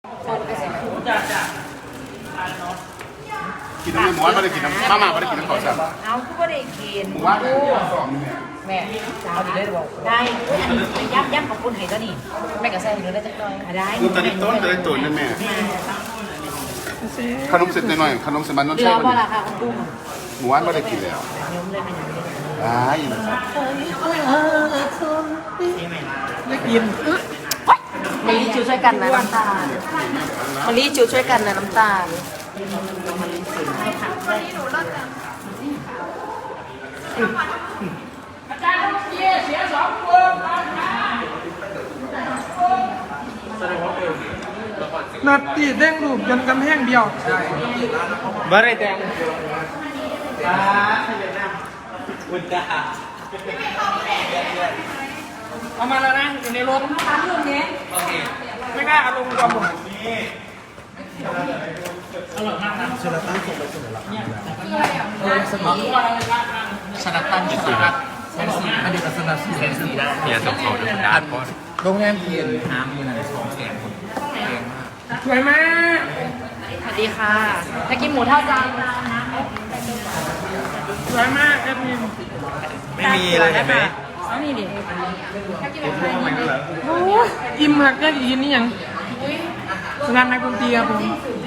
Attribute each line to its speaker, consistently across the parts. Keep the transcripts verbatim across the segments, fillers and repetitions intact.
Speaker 1: กินน้ำหมูไม่ได้กินน้ำมาม่าไม่ได้กินน้ำข้าวสาร
Speaker 2: เอาคือไม่ได้กิน
Speaker 1: หมูว่าสองเนี่ย
Speaker 2: แม่เอาดีได้หรือเปล่าได้ย้ำย้ำขอบคุณให้ก็นี่แม่กับแซ่หิวได้จังเลยได้
Speaker 1: ลูกตาดิต้นจะได้ตุ๋นนั่นแม่ขนมเสร็จหน่อยขนมเสร็จมันต้อง
Speaker 2: เดื
Speaker 1: ใช้
Speaker 2: อว่าราคาคุณกุ้ง
Speaker 1: หมูว่าไม่ได้กินแล้ว
Speaker 2: ยมเลยเป็นอย่างนี้
Speaker 1: อ่าอย่างนั้นครับ
Speaker 3: ไม่กิน
Speaker 2: มะลิจิวช่วยกันนะน้ำตาลมะลิจิวช่วยกันนะน้ำตาลอาจารย์เสียเสียสองคน
Speaker 3: นัดตีเด้งลูกจนกำแพงเดียวบ่ได้แดงเอามาแล้วนะอยู่ในรถไม่กล้าเอาลงความหมดอร่อยมากนะชนะตั้งส่งไปส่งเลยหรอเนี่ยสมองชนะตั้งอยู่ที่เซนซีอดีตสนับสนุนเซนซีได้เนี่ยส่งเขาด้วยด้านเพราะโรงแรมเพียนน้ำมีอะไรสองแสนคนแพงมากสวยมาก
Speaker 2: สวัสดีค่ะถ้ากินหมูเท่าจาน
Speaker 3: สวยมากแอดมิน
Speaker 4: ไม่มีเลยเห็นไหม
Speaker 2: เอานี่ดิถ้ากินแบบไทยนี่
Speaker 3: โอ้ยอิ่มหักก็อีกนี่ยังงานนักดนตรีครับผม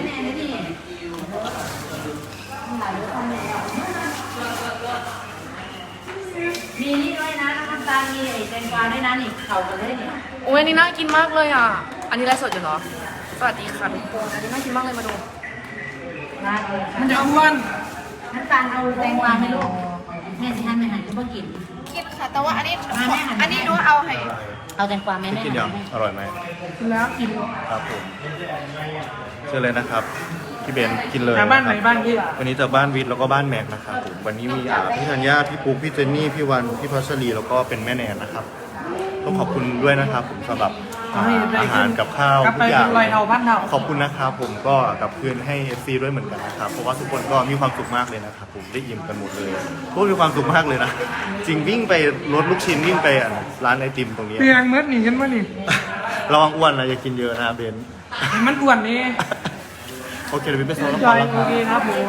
Speaker 2: มีนี่ด้วยนะน้ำตาลมีไอ้แตงกวาด้วยนะนี่เข่ากันเลยเนี่ย
Speaker 5: โอ้ยอันนี้น่ากินมากเลยอ่ะ อันนี้ไลฟ์สดอยู่เหรอ สวัสดีค่ะทุกคน อันนี้น่ากินมากเลยมาดู
Speaker 2: น่าเลย
Speaker 3: มันจะอ้วน
Speaker 2: น้ำตาลเอาแตงกวาไหมลูกแม่สิท่านไม่หันก็บ่กิน
Speaker 5: กินค่ะ แต่ว่าอันนี้
Speaker 2: มาแม่หัน
Speaker 5: อันนี้หนูเอาให้
Speaker 2: เอาแตงกวาไหมแม่
Speaker 4: กิน
Speaker 2: หั
Speaker 4: ยัง
Speaker 2: น
Speaker 4: อร่อยไหม
Speaker 3: แล้วกิน
Speaker 4: ครับผมเชิญเลยนะครับพี่เบนกินเลย
Speaker 3: จากบ้านไหนบ้านพี่
Speaker 4: วันนี้จากบ้านวิทย์แล้วก็บ้านแม็กนะครับผมวันนี้มีอ่าพี่ธัญญาพี่ปุ๊กพี่เจนนี่พี่วันพี่พัชรีแล้วก็เป็นแม่แนนนะครับต้องขอบคุณด้วยนะครับผมสำหรับอ่าอาหารกับข้าว
Speaker 3: กลับ
Speaker 4: ทุ
Speaker 3: ไป
Speaker 4: กอย่า
Speaker 3: เป็
Speaker 4: ง
Speaker 3: นรอยเท่าพันเท่า
Speaker 4: ขอบคุณนะครับผมก็กลับคืนให้ เอฟ ซี ด้วยเหมือนกันนะครับเพราะว่าทุกคนก็มีความสุขมากเลยนะครับผมได้อิ่มกันหมดเลยพวกมีความสุขมากเลยนะจริงวิ่งไปรถลูกชิ้นวิ่งไปอ่ะร้านไอติมตรงนี้
Speaker 3: เตียงเมื่อนี่กันมานี่
Speaker 4: ระวังอ้วนนะอย่ากินเยอะนะเบน
Speaker 3: มันอ้วนนี่
Speaker 4: โอเคเดี๋ยวไปซ้อม
Speaker 3: จ
Speaker 4: ก่อ
Speaker 3: อน ย
Speaker 4: แล้วค
Speaker 3: โอ
Speaker 4: รับ
Speaker 3: เคครับผม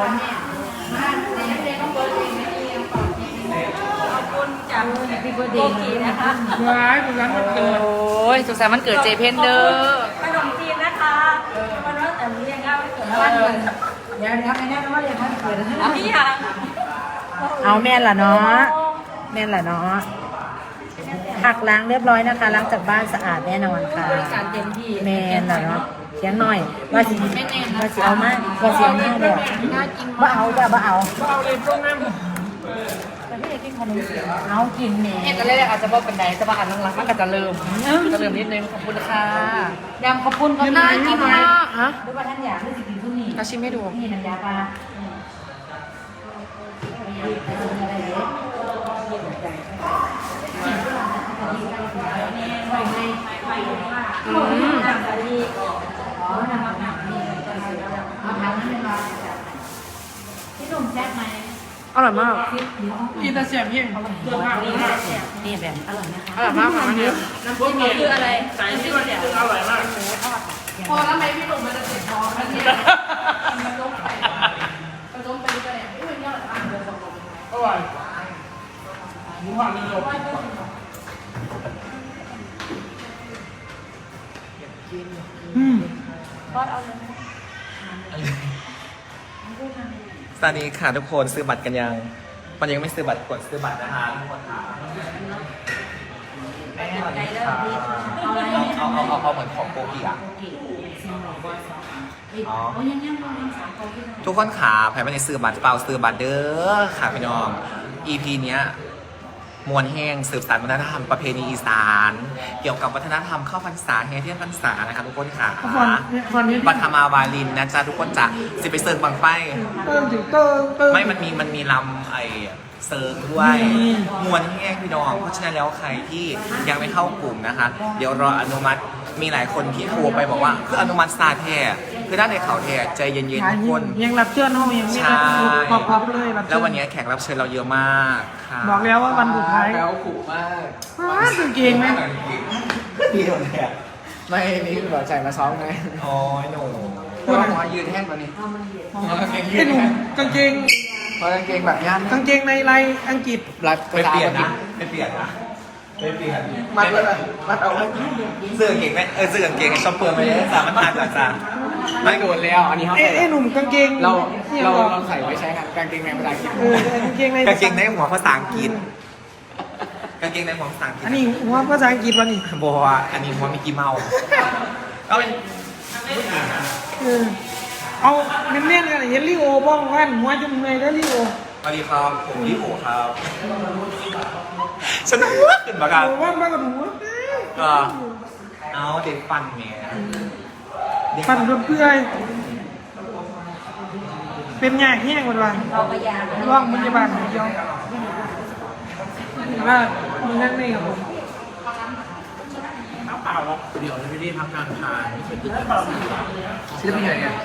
Speaker 2: พี่เบอร์ดีนะคะ
Speaker 3: ร้ายเป็นร้านมันเกิด
Speaker 5: โอ้ยสุขสันต์วันเกิดเจเพนเดอร์
Speaker 2: ขนมจีนนะคะวันนั้นแต่เรียกเอาเกิดวันเกิดเดี๋ยวเดี๋ยวไปแน่ว่าเรียกวันเกิดพี่ยังเอาแม่นล่ะเนาะแม่นล่ะเนาะหักล้างเรียบร้อยนะคะล้างจากบ้านสะอาดแน่นอนค่ะการเต็มที่แม่นล่ะเนาะเสียงหน่อยว่าสิว่าสิเอามากว่าสิเอามากเลยว่าเอาแบบว่าเอา
Speaker 3: เอาเลยตรงนั้น
Speaker 2: แต่พี่อยากกินขนมจีนเอากินแม่
Speaker 5: เอ็ดแรกอาจจะบอกเป็นไหนแต่ว่าอันหลังๆมันก็จะเริ่มจะเริ่มนิดนึงขอบคุณค่ะ
Speaker 2: ยำข้าวปุ้นก็
Speaker 5: น่ากินมากฮะ
Speaker 2: หรือว่าท่านอยากให้สิกินทุกนี่
Speaker 5: เราชิมให้ดู
Speaker 2: นี่น้ำยาปลาอืมพี่หนุ่มแซ่บไหม
Speaker 5: อร่อยมาก
Speaker 3: อีตาเสียบยิ่งเดือดมากเลยมาก
Speaker 2: นี่แบบอร่อยนะคะ
Speaker 5: อร่อยมากค่ะอันนี้
Speaker 2: น้ำจิ้มนี่คืออะไร
Speaker 3: ใส่ที่มันอร่อยมาก
Speaker 5: พอแล้วไหมพี่หนุ่มมันจะเสร็จพอแล้วเนี่ยมันล้มไปมันล้มไปก็ได้อุ้ยเนี่ยอร่อยมากเลยสองคน
Speaker 3: อร่อยหมูหันนี่จบอืม
Speaker 6: สวัสดีค่ะทุกคนซื้อบัตรกันยังมันยังไม่ซื้อบัตรกดซื้อบัตรนะคะทุกคนค่ะแม่สวัสดีค่ะเอาเอาเอาเอาเหมือนของโกกิอ่ะอ๋อทุกคนขาใครไม่ได้ซื้อบัตรเปล่าซื้อบัตรเด้อค่ะพี่น้อง อี พี เนี้ยมวลแห้งสืบสานวัฒนธรรมประเพณีอีสานเกี่ยวกับวัฒนธรรมเข้าพรรษาแห่เทียนพรรษานะคะทุกคนค่ะ
Speaker 3: วันนี้
Speaker 6: บัตรธรรมาวาลินนะจ๊ะทุกคนจะสิไปเซิร์ฟบังไฟ
Speaker 3: เติมถึงเติมเติม
Speaker 6: ไม่มันมีมันมีลำไอเซิร์ฟด้วยมวลแห้งพี่น้องเพราะฉะนั้นแล้วใครที่ยังไม่เข้ากลุ่มนะคะ เดี๋ยวรออนุมัติมีหลายคนที่โทรไปบอกว่าคืออนุมัติซาแท้คือด้านในเขาแท้ใจเย็นๆทุกคน
Speaker 3: ยังรับเชิญห้องยังไม่
Speaker 6: ใช่
Speaker 3: พอพอบเลยรับเชิญ
Speaker 6: แล้ววันนี้แขกรับเชิญเราเยอะมากค่ะ
Speaker 3: บอกแล้วว่าวันสุดท้าย
Speaker 6: แล้วขู่มาก
Speaker 3: ว้าสุดเก่งไหม
Speaker 6: เดียวเนี่ย
Speaker 3: ไม่นี่คือแบบใส่มาซ้อมไง
Speaker 6: อ๋อหนูพูดหน่อยยืนแห้งกว่านี้
Speaker 3: ไอ้หนุ่มกางเกง
Speaker 6: เพราะกางเกงแบบย่าน
Speaker 3: กางเกงในลายอังกฤษ
Speaker 6: ไปเปลี่ยนนะไปเปลี่ยนนะไปเปลี่ยน
Speaker 3: มัดแล้วนะมัดเอาไว้
Speaker 6: เสื้อกางเกงไหมเออเสื้อกางเกงชอบเปลือยไปเลยสามมันทานจากจ้าไม่โดนแล้วอันนี้เขา
Speaker 3: เอ้ไอ้หนุ่มกางเกง
Speaker 6: เราเราเราใส่ไว้ใช้กันกางเกงในภาษาอังกฤษ
Speaker 3: เออกางเกงใน
Speaker 6: กางเกงในหัวภาษาอังกฤษกางเกงในหัวภาษาอังกฤษ
Speaker 3: อันนี้หัวภาษาอังกฤษวะนี่
Speaker 6: บอกว่าอันนี้หัวมิกกี้เมาส์ก็เป็น
Speaker 3: เออเอาเน้นๆกันเห็นลิโอบ้องกันหัวจมูกเลยแล้วลิโอ
Speaker 6: สวัสดีครับผมลิโอครับฉันหัวขึ้นมากัน
Speaker 3: โอ้ว่าบ้านกับหัว
Speaker 6: ก็เอาเด็กฟันเมีย
Speaker 3: ฟันเปื่อยเป็นยากแห้งหมดวัน
Speaker 2: เราพยายาม
Speaker 3: ร่องมันจะบานเดียวแต่ว่ามึงนั่นนี่ครับผม
Speaker 6: เดี๋ยวจะไม่ได้พักงานทานไม่เคยตื่นศิลปินอะไรเนี่ย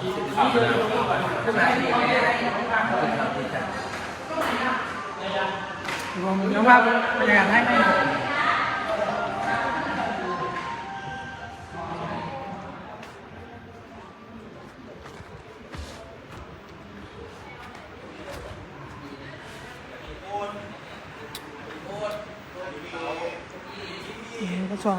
Speaker 3: ผมเดี๋ยวว่าบรรยากาศให้ไหมก็ซ้อม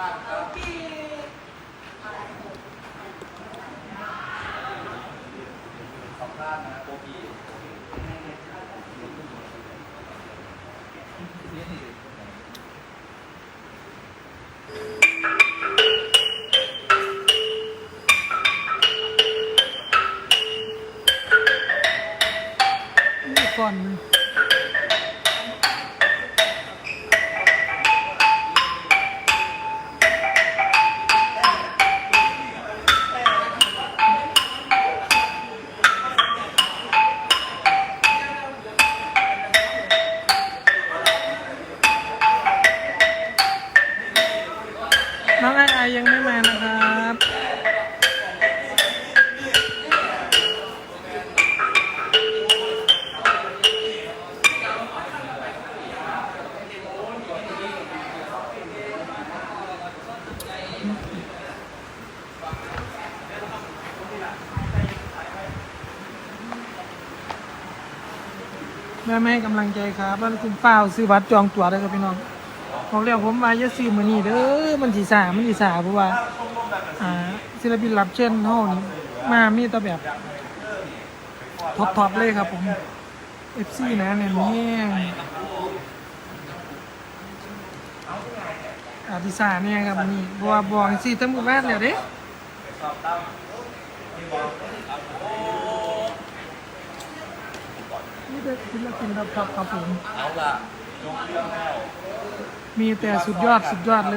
Speaker 3: ก่อน น้องไอไอยังไม่มานะครับแม่แม่กำลังใจครับแล้วคุณเปล่าซื้อบัตรจองตั๋วได้ครับพี่น้องบอกแล้วผมมาจะซื้อมื้อนี้เด้อมันสีสามันสีสาเพราะว่าอ่าศิลปินรับเชิญเฮานี่มามีแต่แบบท็อปๆเลยครับผม เอฟ ซี นะเนี่ยแห้งอาทิสาเนี่ยครับมื้อนี้เพราะว่าบอกสิทั้งหมู่บ้านแล้วเด้นี่เป็นศิลปินท็อปๆครับผม
Speaker 6: เอาละ
Speaker 3: มีแต่สุดยอดสุดยอดเลย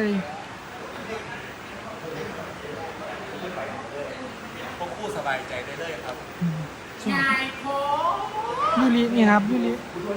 Speaker 6: พวกคู่สบายใจได้เลยครับ
Speaker 5: นายโพ
Speaker 3: ยูรินี่ครับยูริ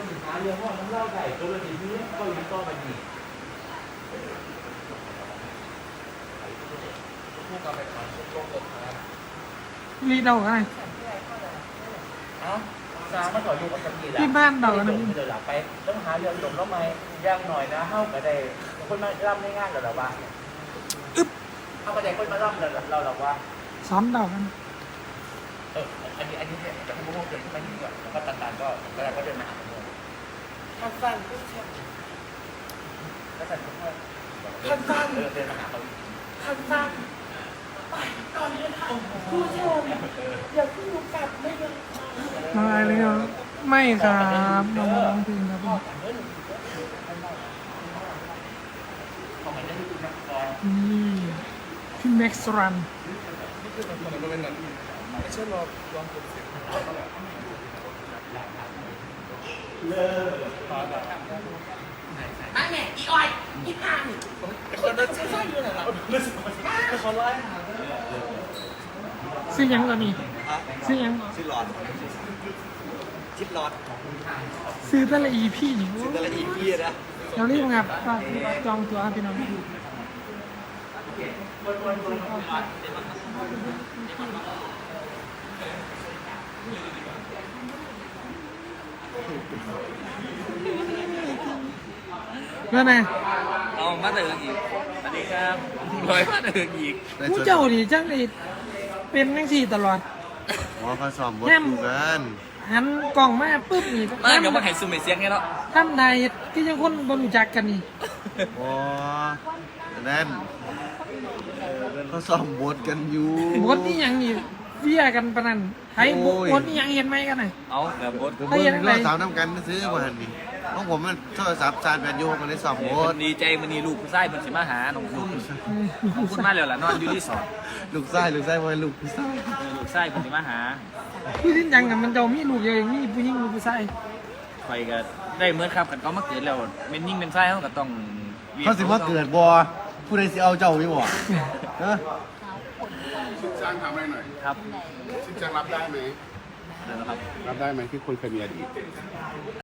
Speaker 6: คู่กับไปขอชุดลงตกครับ
Speaker 3: ยูริเดาอะไร
Speaker 6: เอ้าสามมาถอยอยู่กับกีฬา
Speaker 3: ที่บ้านเดาอะไร
Speaker 6: เดี๋ยวหลับไปต้องหาเรื่องหลบแล้วไหมย่างหน่อยนะเข้าก็ได้คนมาล่ำได้ง่ายกับเราบ้างเข้าก็ได้คนมาล่ำเราเราเราว่า
Speaker 3: ซ้อมเดากัน
Speaker 6: เอออันนี้อันนี้เนี่ยจะให้พวกเดินขึ้นไปนี่ก่อนแล้วก็ต่างๆก็ก็ก็เดินมาหาผมขั้นสั้นขั้นสั้นขั้นสั้นขั้นสั้นเดินมาหาเขาขั้นสั้น
Speaker 3: น้องอะไรเลยครับไม่ครับน้องร้องเพลงครับผมนี่พี่แม็กซ์รันซื้อยังก่อนนี่ซื้อยัง
Speaker 6: ชื่อหลอดชิดหลอด
Speaker 3: ซื้อแต่ละอีพี่นี่
Speaker 6: ชื่อแต่ละอีพีนะ
Speaker 3: เรารีบครับฝากจองตัวครับพี่น้องนั่นไง
Speaker 6: เอามาเจออีก
Speaker 3: ดีครับร้อยมาถึงอีก
Speaker 2: ผู้เจ้าดิจังเลยเป็นจังซี่ตลอด
Speaker 4: หมอเขาสอมบทดูกัน
Speaker 2: หันกล่องมาปุ๊บนี่
Speaker 3: มาเดี๋ยวมาให้ซูมเสียงไงเนาะ
Speaker 2: ทำได้ก็ยังคนบ่รู้จักกันนี่
Speaker 4: โอ้นั่นเขาสอมบทกันอยู่
Speaker 2: บทนี่หยังนี่เวียกันปานนั้นไผบทบทนี่หยังเห็นไหมกันน่ะ
Speaker 3: เอาแบบบด
Speaker 4: ผมเบิ่งเราสาวน้ำกันซื้อมาหันนี่ของผมมันโทรศัพท์ชาร์จแบตอยู่มันได้สอมบท
Speaker 3: ดีใจมันนี่ลูกผู้ชายมันสิมาหาน้องคุณน้องคุณมาแล้วล่ะนอนอยู่รีสอร์ท
Speaker 4: ลูกไส้ลูกไส้พอลูกพี่ไส้
Speaker 3: ลูกชายมันสิมาหา
Speaker 2: ผู้ที่จังน่ะมันจะมีลูกเยอะมีผู้หญิงมีผู้ชาย
Speaker 3: ไปก็ได้เหมือนครับกันเขามาเกิดแล้วเป็นยิ่งเป็นชายเขาก็ต้อง
Speaker 4: เขาสิว่าเกิดบ่ผู้ใดสิเอาเจ้าอยู่บ่ฮะ
Speaker 1: ชินจังทำอะไรหน่อย
Speaker 3: ครับ
Speaker 1: ชินจังรับได้ไหม
Speaker 3: เดี๋ยวนะครับ
Speaker 1: รับได้ไหมที่คนเคยมีอดีต